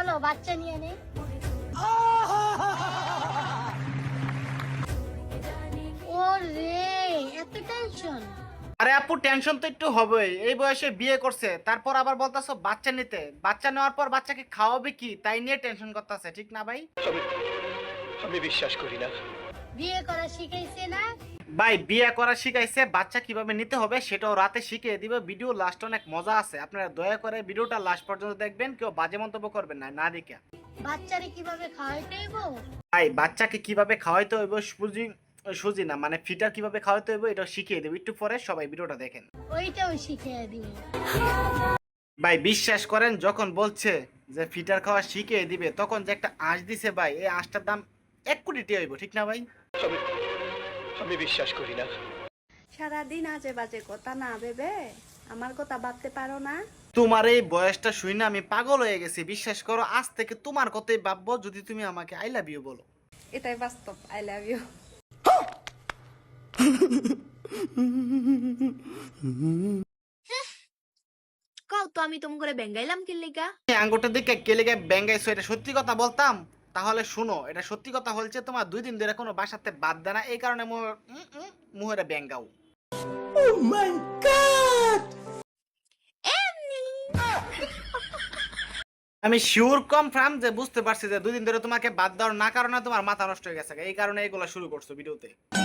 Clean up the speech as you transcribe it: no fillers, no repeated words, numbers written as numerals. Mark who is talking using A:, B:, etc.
A: চলো বাচ্চা নিয়ে নেই। ওরে এত টেনশন?
B: আরে আপু টেনশন তো একটু হবেই, এই বয়সে বিয়ে করছে, তারপর আবার বলতাছো বাচ্চা নিতে, বাচ্চা নেওয়ার পর বাচ্চাকে খাওয়াবে কি তাই নিয়ে টেনশন করতেছে, ঠিক না ভাই?
C: আমি বিশ্বাস করি না।
A: বিয়ে করা শিখাইছে না?
B: ভাই বিয়ে করা শিখাইছে, বাচ্চা কিভাবে নিতে হবে সেটাও রাতে শিখিয়ে দিবে। ভিডিও লাস্ট অনেক মজা আছে, আপনারা দয়া করে ভিডিওটা লাস্ট পর্যন্ত দেখবেন, কেউ বাজে মন্তব্য করবেন না না দেখে।
A: বাচ্চারে কিভাবে খাওয়াইতে হইব?
B: ভাই বাচ্চাকে কিভাবে খাওয়াইতে হইব, সুজি না মানে ফিটার কিভাবে খাওয়াইতে হইব এটা শিখিয়ে দেবো একটু পরে, সবাই ভিডিওটা দেখেন।
A: ওইটাও শিখিয়ে দিবে।
B: ভাই বিশ্বাস করেন, যখন বলছে যে ফিটার খাওয়া শিখিয়ে দিবে তখন যে একটা আঁশ দিছে ভাই, এই আঁশটার দাম 1 কোটি টাকা হইব, ঠিক না ভাই?
C: আমি বিশ্বাস করি না।
D: সারাদিন আজে বাজে কথা না ভেবে আমার কথা ভাবতে পারো না?
B: তোমার এই বয়সটা শুই না আমি পাগল হয়ে গেছি, বিশ্বাস করো আজ থেকে তোমার কথাই ভাববো যদি তুমি আমাকে আই লাভ ইউ বলো।
D: এটাই বাস্তব। I love you. কও তো আমি তুমি করে বেঙ্গাইলাম কি লিগা?
B: এই আঙ্গুরটার দিকে কেলে গায়ে ব্যাঙ্গাইছো, এটা সত্যি কথা বলতাম? তাহলে শুনো, এটা সত্যি কথা হচ্ছে তোমার 2 দিন ধরে কোনো বাসাতে বাদ দেয় না, এই কারণে মুহেরা ব্যাঙ্গাও। আমি শিওর কনফার্ম যে বুঝতে পারছি যে 2 দিন ধরে তোমাকে বাদ দেওয়ার না কারণে তোমার মাথা নষ্ট হয়ে গেছে, এই কারণে এগুলো শুরু করছো ভিডিওতে।